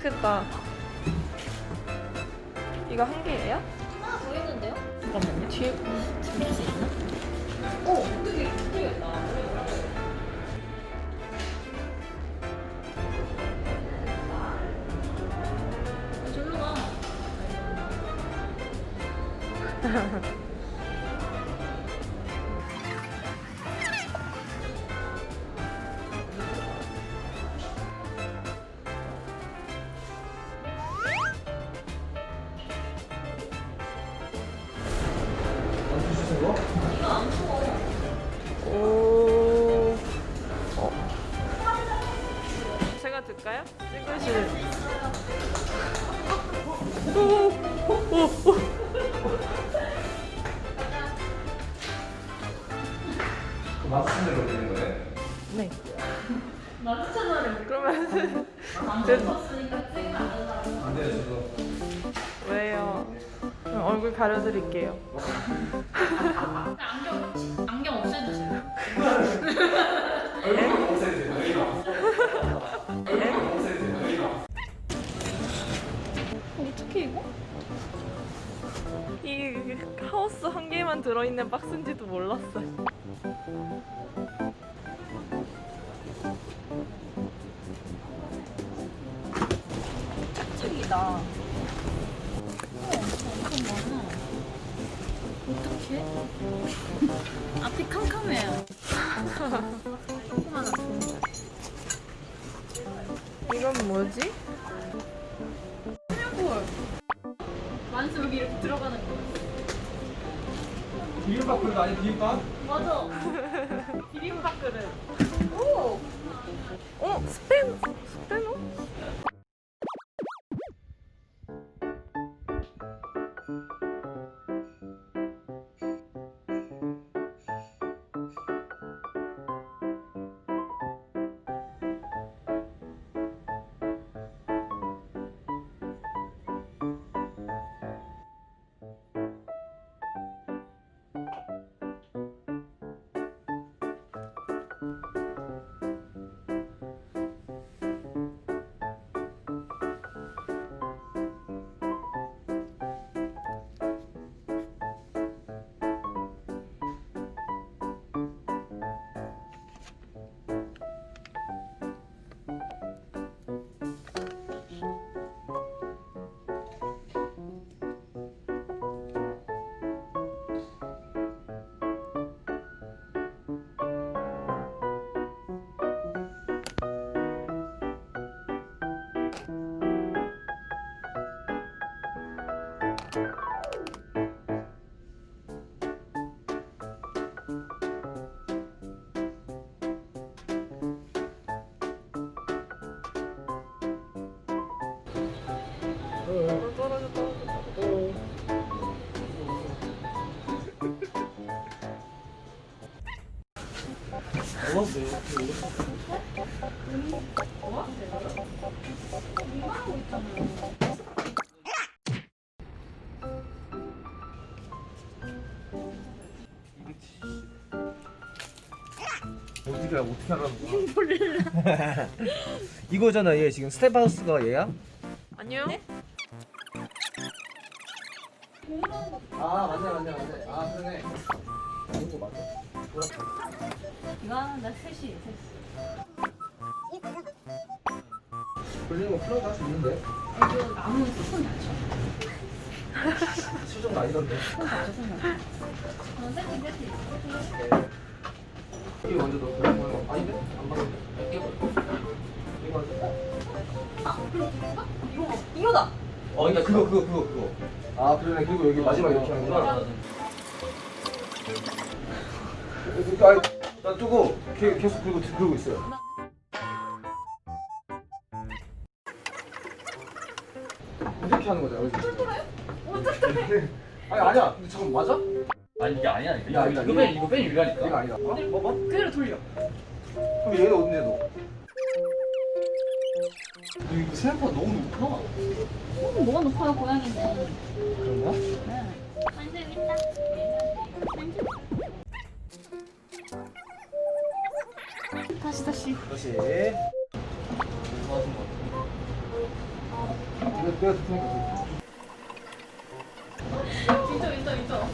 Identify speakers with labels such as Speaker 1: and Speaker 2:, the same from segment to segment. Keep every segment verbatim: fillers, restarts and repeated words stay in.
Speaker 1: 크다. 이거 한 개예요?
Speaker 2: 하나 더 있는데요?
Speaker 1: 잠깐만요. 뒤에
Speaker 2: 들릴 수 있나?
Speaker 1: 오! 되게 크겠다.
Speaker 2: 절로 가. 이거 안 먹어.
Speaker 1: 오. 어. 제가 들까요? 찍으실. 오, 오, 오.
Speaker 3: 마스크를 올리는 거네.
Speaker 1: 네.
Speaker 2: 나 추천하래.
Speaker 1: 그러면
Speaker 2: 안 먹었으니까 찍으면 안 된다고.
Speaker 3: 안 돼요, 저도.
Speaker 1: 왜요? 그럼 얼굴 가려드릴게요.
Speaker 2: 안경 안경 없애주세요.
Speaker 3: 얼굴 없애주세요. 여기가. 얼굴 없애주세요. 여기가.
Speaker 2: 어떻게 이거?
Speaker 1: 이 하우스 한 개만 들어있는 박스인지도 몰랐어요.
Speaker 2: 짝짝이다. 우와, 엄청 많아. 어떡해? 앞이 캄캄해요. 조그마한 좋은 거.
Speaker 1: 이건 뭐지?
Speaker 2: 헐. 만수 여기 이렇게 들어가는 거.
Speaker 3: 비빔밥 그릇 아니 비빔밥?
Speaker 2: 맞아. 비빔밥 그릇. 오!
Speaker 1: 어? 스팸? 스팸어? 떨어져 떨어져 떨어져.
Speaker 3: 어떻게 어떻게 하라는 거야? 몰라. 이거잖아 얘 지금 스텝하우스가 얘야?
Speaker 1: 아니요?
Speaker 3: 아 맞네 맞네 맞네. 아 그러네. 이거 맞아.
Speaker 2: 이거 하나 셋이 셋이.
Speaker 3: 걸리는 거 플러그 할 수 있는데.
Speaker 2: 이거 나무 손 다쳐.
Speaker 3: 수정 아니던데.
Speaker 2: 손 다쳐 손 다쳐. 어 세팅 세팅.
Speaker 3: 이게 먼저 넣고 이거 아닌데? 안 맞는데? 이거 이거
Speaker 2: 아 그럼 이거? 이거 이거다.
Speaker 3: 어 그러니까 그거 그거 그거 그거. 아 그러네. 그리고 여기 마지막 이렇게 하는구나. 그러니까 나 두고 계- 계속 그리고 그러고 있어요. 이렇게 하는 거잖아. 그지?
Speaker 2: 똘똘해요? 어 똘똘해.
Speaker 3: 아니 아니야. 근데 잠깐 맞아?
Speaker 4: 아니 이게 아니야.
Speaker 3: 이게 아니다.
Speaker 4: 이거 뺀 이거 뺀 유리라니까.
Speaker 3: 이거 아니다. 어? 봐봐.
Speaker 2: 그대로 돌려.
Speaker 3: 그럼 얘는 어딘데 너? 이거 생각보다 너무 높아.
Speaker 2: 어, 뭐가 높아요 고양이는.
Speaker 3: 그런가?
Speaker 2: 네. 완전 있다. 다시 다시.
Speaker 3: 다시.
Speaker 4: 맞은 거 같아.
Speaker 3: 내가 듣으니까.
Speaker 2: 인정 인정 인정.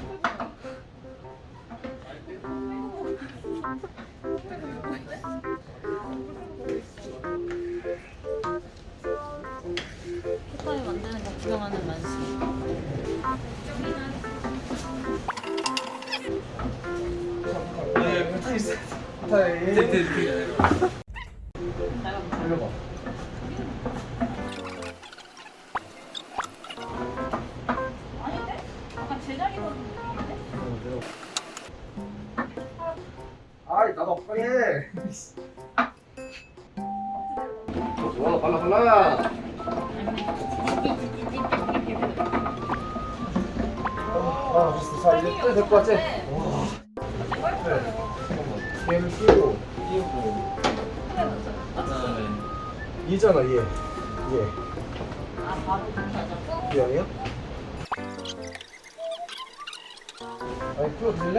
Speaker 5: 캣타이 만드는 거 구경하는 만수.
Speaker 3: 네, 패턴 있어. 타이. 돌려봐.
Speaker 2: 아닌데? 약간 제자리 거는 느낌인데?
Speaker 3: 아이 나도 빨리 해. 어, 좋아 빨라 빨라. 아 됐어. 자 이제 떼 될 것 같지? 와. 그래. 잠깐만. 얘를 끼고 끼고. 얘잖아 얘. 얘.
Speaker 5: 아 바로 그렇게 하자고?
Speaker 3: 얘 아니야? 아니 풀어줄래?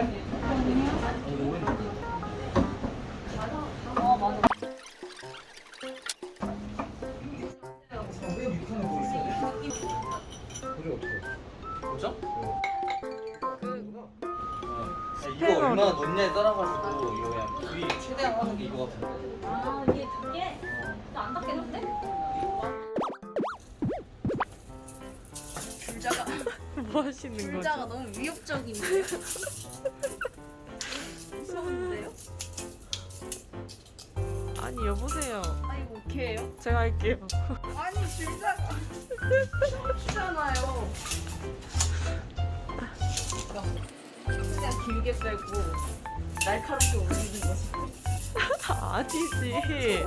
Speaker 5: 어 맞아.
Speaker 3: 맨 밑에는 뭐 있어? 그게 어떻게?
Speaker 4: 뭐죠? 이거
Speaker 1: 스패너로.
Speaker 4: 얼마나 넣냐에 따라가지고 이거 그냥 불이 최대한 하는 게 이거 같은데.
Speaker 2: 아 이게 닿게? 나안 닿겠는데?
Speaker 5: 불자가
Speaker 1: 뭐 하시는 거죠?
Speaker 5: 불자가 너무 위협적인데요? 무서운데요?
Speaker 1: 아니 여보세요.
Speaker 5: 아 이거 오케이예요?
Speaker 1: 제가 할게요.
Speaker 5: 아니 불자가 있잖아요. 그냥 길게 빼고 날카롭게 올리는 거지.
Speaker 1: 아니지.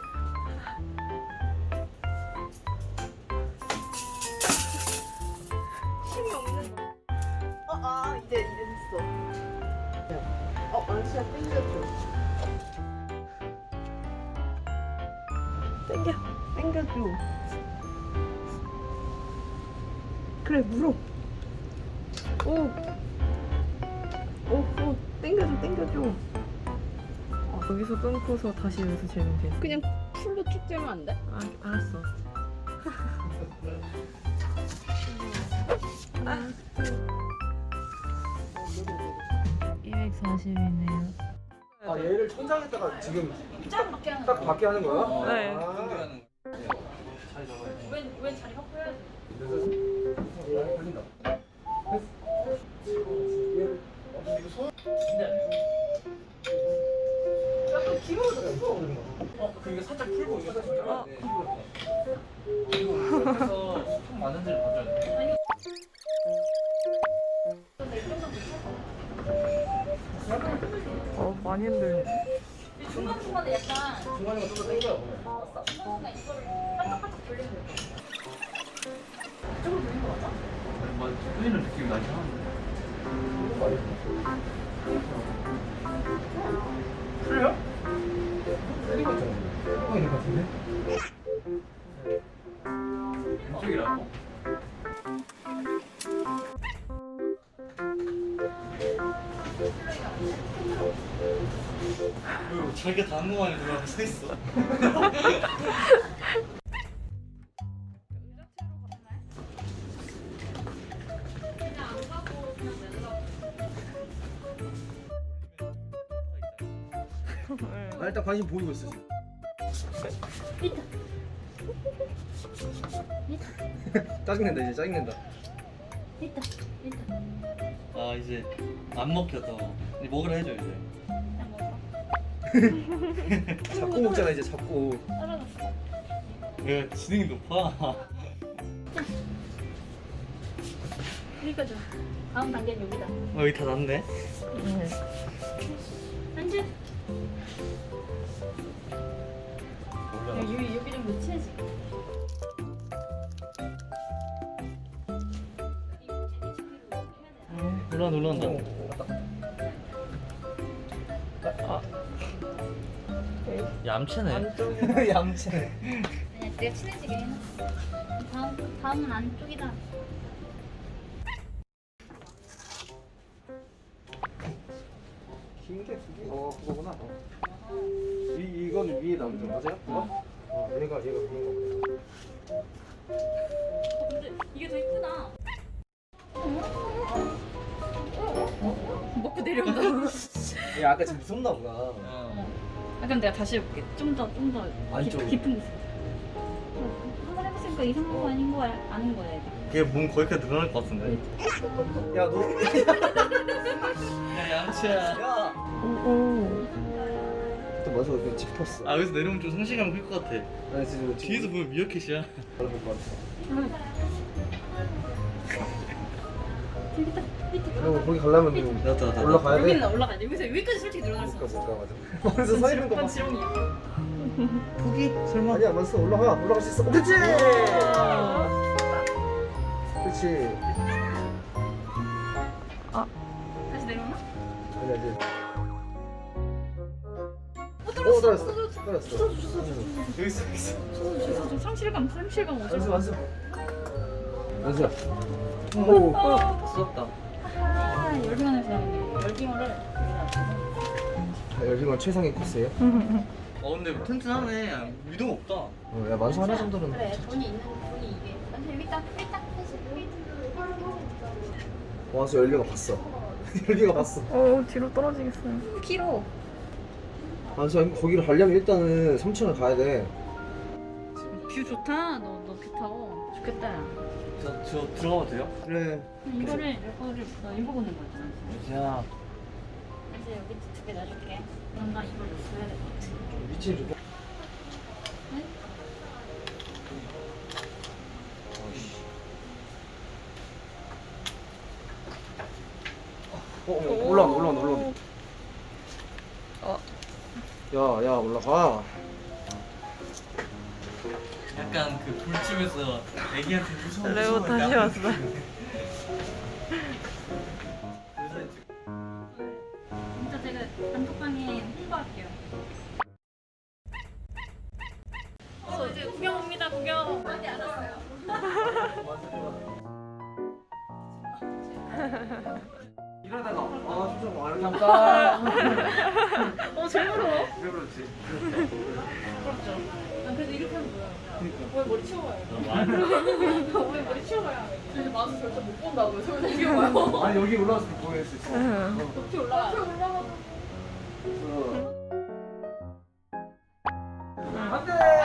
Speaker 5: 힘이 없는. 어, 아 이제 이제 됐어. 어 망치야 땡겨줘.
Speaker 1: 땡겨. 땡겨줘. 그래 물어. 오. 오, 오, 땡겨줘, 땡겨줘. 아, 여기서 끊고서 다시 여기서 재면 돼.
Speaker 5: 그냥 풀로 쭉 재면 안 돼?
Speaker 1: 아, 알았어. 이백사십이네요.
Speaker 3: 아 얘를 천장에다가 지금
Speaker 2: 짱 밖에 하는
Speaker 3: 딱 밖에 하는 거야?
Speaker 4: 어,
Speaker 1: 네.
Speaker 4: 근데
Speaker 3: 아.
Speaker 4: 하는 거. 잘 잡아야지.
Speaker 2: 웬, 웬 자리 확보해야지.
Speaker 3: 그래서 걸린다.
Speaker 2: 약간 길어졌어.
Speaker 4: 어, 그 이거 살짝 풀고 이거 살짝 잡아야 돼. 이거 옆에서 소품 많은 데를 봐줘야 돼.
Speaker 1: 어, 많이 흔들려.
Speaker 2: 이 중간중간에 약간
Speaker 3: 중간에 좀더 당겨.
Speaker 2: 중간중간 이거를 반짝반짝 돌리면 될 것 같아. 이쪽으로 돌린 거 맞아?
Speaker 4: 뭐 뚫리는 느낌이 나긴 하는데.
Speaker 3: 풀려? 때리고 있잖아. 때리고 있는 것 같은데?
Speaker 4: 왼쪽이라고? 왜 자기가 다 한 거만에 들어가서 서 있어?
Speaker 3: 나 일단 관심 보이고 있어 지금. 짜증낸다 이제 짜증낸다.
Speaker 5: 있다 있다.
Speaker 4: 아 이제 안 먹혀 더. 이제 먹으라 해줘 이제.
Speaker 3: 잡고 먹잖아 이제 잡고.
Speaker 4: 왜 지능이 높아?
Speaker 5: 여기까지. 다음 단계는 여기다.
Speaker 4: 어, 여기 다 났네.
Speaker 5: 앉아. 야, 여기 여기 좀 묻혀야지.
Speaker 4: 올라온다 올라온다.
Speaker 3: 아,
Speaker 4: 얌체네.
Speaker 1: 안쪽에.
Speaker 3: 얌체.
Speaker 5: 그냥 내가 친해지게 해놨어. 다음 다음은 안쪽이다.
Speaker 3: 긴게 두 개. 어 그거구나. 어. 이 이건 위에 남죠 맞아요? 어. 어 얘가 얘가 위인 거구나.
Speaker 2: 어, 근데 이게 더 이쁘다. 먹고 내려온다.
Speaker 3: 야 아까 좀 무섭나 보다.
Speaker 4: 어.
Speaker 2: 아, 그럼 내가 다시 해볼게. 좀 더, 좀 더
Speaker 3: 안쪽으로.
Speaker 2: 깊은 곳으로. 한번 해봤으니까 이상한 거 아닌 거 아는 거야.
Speaker 4: 걔 몸 거기까지 늘어날 것 같은데.
Speaker 3: 야 너.
Speaker 4: 야 양치야.
Speaker 3: 야.
Speaker 1: 오.
Speaker 3: 또 맞아 그냥 짚었어.
Speaker 4: 아 여기서 내려오면 좀 상실감 클 것 같아.
Speaker 3: 나 지금
Speaker 4: 뒤에서 보면 미어캣이야.
Speaker 3: 볼것 같아.
Speaker 2: 재밌다. 밑에
Speaker 3: 그리고 거기 가려면
Speaker 4: 나도 나도.
Speaker 3: 올라가야 돼.
Speaker 2: 여기는 올라가야 돼. 여기서 여기까지 솔직히 늘어날 수
Speaker 3: 못 가,
Speaker 2: 없어.
Speaker 3: 못 가, 맞아. 먼저 서 있는 거 봐.
Speaker 2: 그건 지렁이야.
Speaker 4: 포기? 설마?
Speaker 3: 아니야, 먼저 올라가. 올라갈 수 있어. 그렇지. 그렇지.
Speaker 2: 다시 내려오나?
Speaker 3: 아니야, 이제.
Speaker 2: 어,
Speaker 3: 어,
Speaker 2: 떨어졌어.
Speaker 3: 떨어졌어.
Speaker 2: 떨어졌어.
Speaker 3: 떨어졌어.
Speaker 4: 여기 있어 여기 있어.
Speaker 2: 떨어졌어. 좀 상실감, 상실감 오죠.
Speaker 3: 완수, 완수. 완수야. 오.
Speaker 4: 쏟았다.
Speaker 2: 아, 열빙원에서 나오네. 열빙원을
Speaker 3: 자, 열빙원 최상의 코스예요.
Speaker 4: 어 근데 튼튼하네. 위동 없다.
Speaker 3: 어, 야 만수 하나 정도는.
Speaker 2: 그래, 돈이 있는 돈이 이게. 완전 여기 있다. 여기 있다.
Speaker 3: 완수 열빙가 봤어. 열빙가 봤어.
Speaker 1: 오 뒤로 떨어지겠어요.
Speaker 2: 키로.
Speaker 3: 완수 거기를 가려면 일단은 삼천을 가야 돼.
Speaker 2: 뷰 좋다. 너 너 뷰 타고 좋겠다.
Speaker 4: 저, 저 들어가도 돼요?
Speaker 3: 그래.
Speaker 2: 이거를 이거를 너 읽어보는 거잖아.
Speaker 4: 야.
Speaker 2: 이제 여기 두 개 놔줄게. 그럼 나 이걸 써야 될 것 같아.
Speaker 3: 위치 좀. 어, 어, 올라온다, 올라온다, 올라온다.
Speaker 1: 어.
Speaker 3: 야, 야, 올라가.
Speaker 4: 약간 그 불집에서 애기한테 무서운
Speaker 1: 레오
Speaker 4: 무서운
Speaker 1: 다시
Speaker 4: 양.
Speaker 1: 왔어.
Speaker 2: 진짜 제가 단톡방에 홍보할게요. 어 이제 구경 옵니다. 구경. 많이 알았어요.
Speaker 3: 이러다가 아 진짜 뭐 잠깐.
Speaker 2: 어 제일 부러워.
Speaker 3: 왜 그렇지?
Speaker 2: 부럽죠. 아 그래도 이렇게 하면 뭐야? 왜 머리 치워봐요? 왜 머리 치워봐요? 이제 마수 절대 못 본다고요. 서울 옮겨봐요.
Speaker 3: 아니 여기 올라와서 보낼 수 있어.
Speaker 2: 높이 올라가. 높이 올라가.
Speaker 3: 안돼.